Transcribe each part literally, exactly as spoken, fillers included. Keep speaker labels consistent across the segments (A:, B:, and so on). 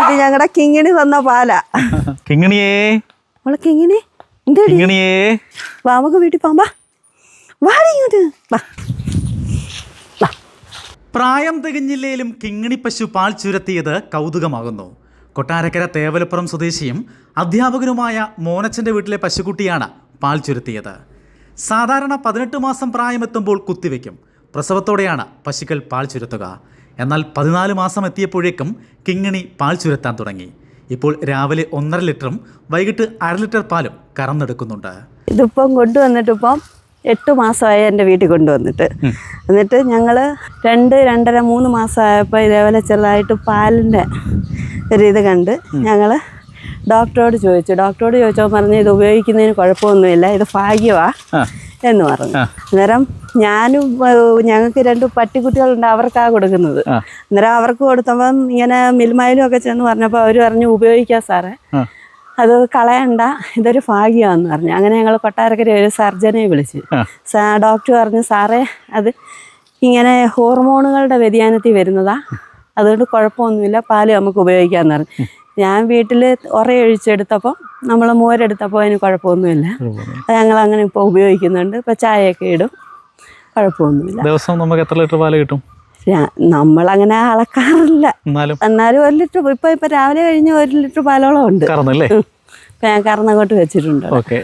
A: ഇത് ഞങ്ങളുടെ കിങ്ങിണി തന്ന പാലാ.
B: കിങ്ങിണിയേ
A: മോളെ കിങ്ങിണി
B: കിങ്ങിണിയേ
A: വാ നമുക്ക് വീട്ടിൽ പോകാം. വാടി ഇങ്ങോട്ട് വാ.
B: പ്രായം തികഞ്ഞില്ലേലും കിങ്ങിണി പശു പാൽ ചുരത്തിയത് കൗതുകമാകുന്നു. കൊട്ടാരക്കര തേവലപ്പുറം സ്വദേശിയും അധ്യാപകനുമായ മോനച്ചൻ്റെ വീട്ടിലെ പശുക്കുട്ടിയാണ് പാൽ ചുരത്തിയത്. സാധാരണ പതിനെട്ട് മാസം പ്രായമെത്തുമ്പോൾ കുത്തിവെക്കും. പ്രസവത്തോടെയാണ് പശുക്കൾ പാൽ ചുരത്തുക. എന്നാൽ പതിനാല് മാസം എത്തിയപ്പോഴേക്കും കിങ്ങിണി പാൽ ചുരത്താൻ തുടങ്ങി. ഇപ്പോൾ രാവിലെ ഒന്നര ലിറ്ററും വൈകിട്ട് അര ലിറ്റർ പാലും കറന്നെടുക്കുന്നുണ്ട്.
A: ഇതിപ്പം കൊണ്ടുവന്നിട്ടിപ്പം എട്ട് മാസമായി എൻ്റെ വീട്ടിൽ കൊണ്ടുവന്നിട്ട്. എന്നിട്ട് ഞങ്ങൾ രണ്ട് രണ്ടര മൂന്ന് മാസമായപ്പോൾ ഇതേപോലെ ചെറുതായിട്ട് പാലിൻ്റെ ഒരു ഇത് കണ്ട് ഞങ്ങൾ ഡോക്ടറോട് ചോദിച്ചു. ഡോക്ടറോട് ചോദിച്ചപ്പോൾ പറഞ്ഞു ഇത് ഉപയോഗിക്കുന്നതിന് കുഴപ്പമൊന്നുമില്ല, ഇത് ഭാഗ്യമാണ് എന്ന് പറഞ്ഞു. അന്നേരം ഞാനും ഞങ്ങൾക്ക് രണ്ട് പട്ടിക്കുട്ടികളുണ്ട്, അവർക്കാണ് കൊടുക്കുന്നത്. അന്നേരം അവർക്ക് കൊടുത്തപ്പം ഇങ്ങനെ മിൽമയിലും ഒക്കെ ചെന്ന് പറഞ്ഞപ്പോൾ അവർ പറഞ്ഞു ഉപയോഗിക്കാം സാറേ, അത് കളയണ്ട, ഇതൊരു ഭാഗ്യമാണെന്ന് പറഞ്ഞു. അങ്ങനെ ഞങ്ങൾ കൊട്ടാരക്കര ഒരു സർജനെ വിളിച്ചു. ഡോക്ടർ പറഞ്ഞു സാറേ അത് ഇങ്ങനെ ഹോർമോണുകളുടെ വ്യതിയാനത്തിൽ വരുന്നതാ, അതുകൊണ്ട് കുഴപ്പമൊന്നുമില്ല, പാല് നമുക്ക് ഉപയോഗിക്കാമെന്ന് പറഞ്ഞു. ഞാൻ വീട്ടിൽ ഉറയൊഴിച്ചെടുത്തപ്പോൾ നമ്മൾ മോരെടുത്തപ്പോൾ അതിന് കുഴപ്പമൊന്നുമില്ല. അത് ഞങ്ങൾ അങ്ങനെ ഇപ്പോൾ ഉപയോഗിക്കുന്നുണ്ട്. ഇപ്പോൾ ചായയൊക്കെ ഇടും, കുഴപ്പമൊന്നുമില്ല.
B: ദിവസം നമുക്ക് എത്ര ലിറ്റർ പാല് കിട്ടും?
A: നമ്മളങ്ങനെ അളക്കാറില്ല, എന്നാലും ഒരു ലിറ്റർ ഇപ്പൊ ഇപ്പൊ രാവിലെ കഴിഞ്ഞ് ഒരു ലിറ്റർ പാലോളം ഉണ്ട്. ഇപ്പൊ ഞാൻ കറന്നങ്ങോട്ട് വെച്ചിട്ടുണ്ട്.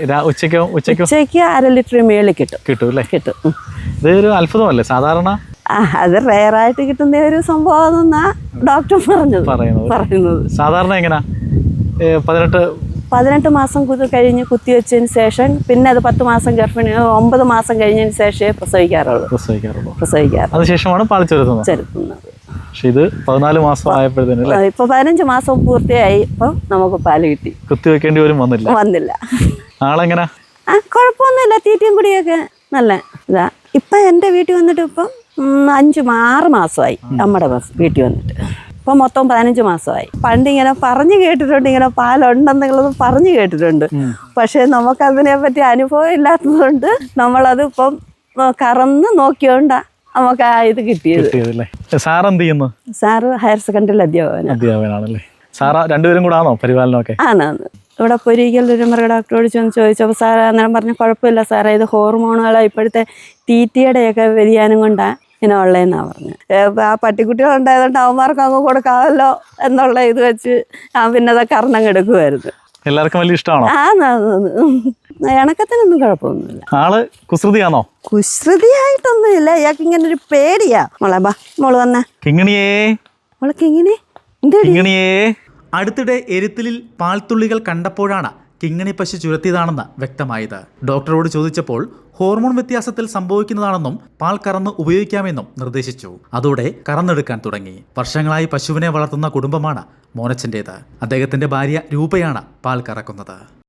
A: ഉച്ചയ്ക്ക് അര ലിറ്റർ മേളിൽ കിട്ടും കിട്ടും കിട്ടും
B: ഇതൊരു അത്ഭുതമല്ലേ സാധാരണ?
A: ആ അത് റെയറായിട്ട് കിട്ടുന്ന ഒരു സംഭവം എന്നാ ഡോക്ടർ പറഞ്ഞത് പറയുന്നത്.
B: സാധാരണ എങ്ങനെയാ പതിനെട്ട്
A: പതിനെട്ട് മാസം കഴിഞ്ഞ് കുത്തിവെച്ചതിന് ശേഷം പിന്നെ അത് പത്ത് മാസം ഗർഭിണി ഒമ്പത് മാസം കഴിഞ്ഞതിന് ശേഷമേ പ്രസവിക്കാറുള്ളൂ പ്രസവിക്കാറുള്ളൂ പ്രസവിക്കാറ്
B: അതിനുശേഷമാണ് പാൽ ചുരത്തുന്നത്
A: ചുരത്തുന്നത്.
B: പക്ഷെ ഇത് പതിനാല് മാസം ആയപ്പോഴത്തേനും
A: ഇപ്പൊ പതിനഞ്ച് മാസം പൂർത്തിയായി. ഇപ്പൊ നമുക്ക് പാല് കിട്ടി.
B: കുത്തിവെക്കേണ്ടി വരും വന്നില്ല
A: വന്നില്ല
B: ആളെങ്ങനെ?
A: ആ കുഴപ്പമൊന്നുമില്ല, തീറ്റയും കുടിയൊക്കെ നല്ല ഇതാ. ഇപ്പൊ എൻ്റെ വീട്ടിൽ വന്നിട്ട് ഇപ്പം അഞ്ച് ആറ് മാസമായി നമ്മുടെ വീട്ടിൽ വന്നിട്ട്. ഇപ്പം മൊത്തം പതിനഞ്ച് മാസമായി. പണ്ട് ഇങ്ങനെ പറഞ്ഞു കേട്ടിട്ടുണ്ട്, ഇങ്ങനെ പാലുണ്ടെന്നുള്ളത് പറഞ്ഞു കേട്ടിട്ടുണ്ട്. പക്ഷെ നമുക്കതിനെ പറ്റി അനുഭവം ഇല്ലാത്തതുകൊണ്ട് നമ്മളത് ഇപ്പം കറന്ന് നോക്കിയോണ്ടാ നമുക്ക് ആ ഇത് കിട്ടിയത്.
B: സാറെന്ത് ചെയ്യുന്നു?
A: സാറ് ഹയർ സെക്കൻഡറി അധ്യാപകൻ
B: അധ്യാപകനാണല്ലേ. സാറാ രണ്ടുപേരും കൂടെ ആണോ പരിപാലനമൊക്കെ?
A: ആണാണ്. ഇവിടെ പൊരിക്കൽ ഒരു മൃഗ ഡോക്ടറോട് ചെന്ന് ചോദിച്ചപ്പോൾ സാർ അന്നേരം പറഞ്ഞ കുഴപ്പമില്ല സാറേ, ഇത് ഹോർമോണുകളെ ഇപ്പോഴത്തെ തീറ്റയുടെയൊക്കെ വ്യതിയാനം കൊണ്ടാണ് ഇങ്ങനെ ഉള്ളതെന്നാണ് പറഞ്ഞത്. ആ പട്ടിക്കുട്ടികളുണ്ടായതുകൊണ്ട് അവന്മാർക്ക് അങ്ങ് കൊടുക്കാമല്ലോ എന്നുള്ള ഇത് വെച്ച് ഞാൻ പിന്നെ അതൊക്കെ കറന്നങ്ങ് എടുക്കുമായിരുന്നു.
B: എല്ലാവർക്കും വലിയ ഇഷ്ടമാണോ?
A: ആ ഇണക്കത്തിനൊന്നും കുഴപ്പമൊന്നുമില്ല.
B: ആള് കുസൃതിയാണോ?
A: കുസൃതിയായിട്ടൊന്നുമില്ല, ഇയാൾക്ക് ഇങ്ങനെ ഒരു പേടിയാ. മോളെ ബാ മോള് വന്നേ.
B: കിങ്ങിണിയേ
A: മോളെ കിങ്ങിണി
B: കിങ്ങിണിയേ അടുത്തിടെ എരുത്തിലിൽ പാൽത്തുള്ളികൾ കണ്ടപ്പോഴാണ് കിങ്ങിണി പശു ചുരത്തിയതാണെന്ന് വ്യക്തമായത്. ഡോക്ടറോട് ചോദിച്ചപ്പോൾ ഹോർമോൺ വ്യത്യാസത്തിൽ സംഭവിക്കുന്നതാണെന്നും പാൽ കറന്ന് ഉപയോഗിക്കാമെന്നും നിർദ്ദേശിച്ചു. അതോടെ കറന്നെടുക്കാൻ തുടങ്ങി. വർഷങ്ങളായി പശുവിനെ വളർത്തുന്ന കുടുംബമാണ് മോനച്ചൻ്റേത്. അദ്ദേഹത്തിന്റെ ഭാര്യ രൂപയാണ് പാൽ കറക്കുന്നത്.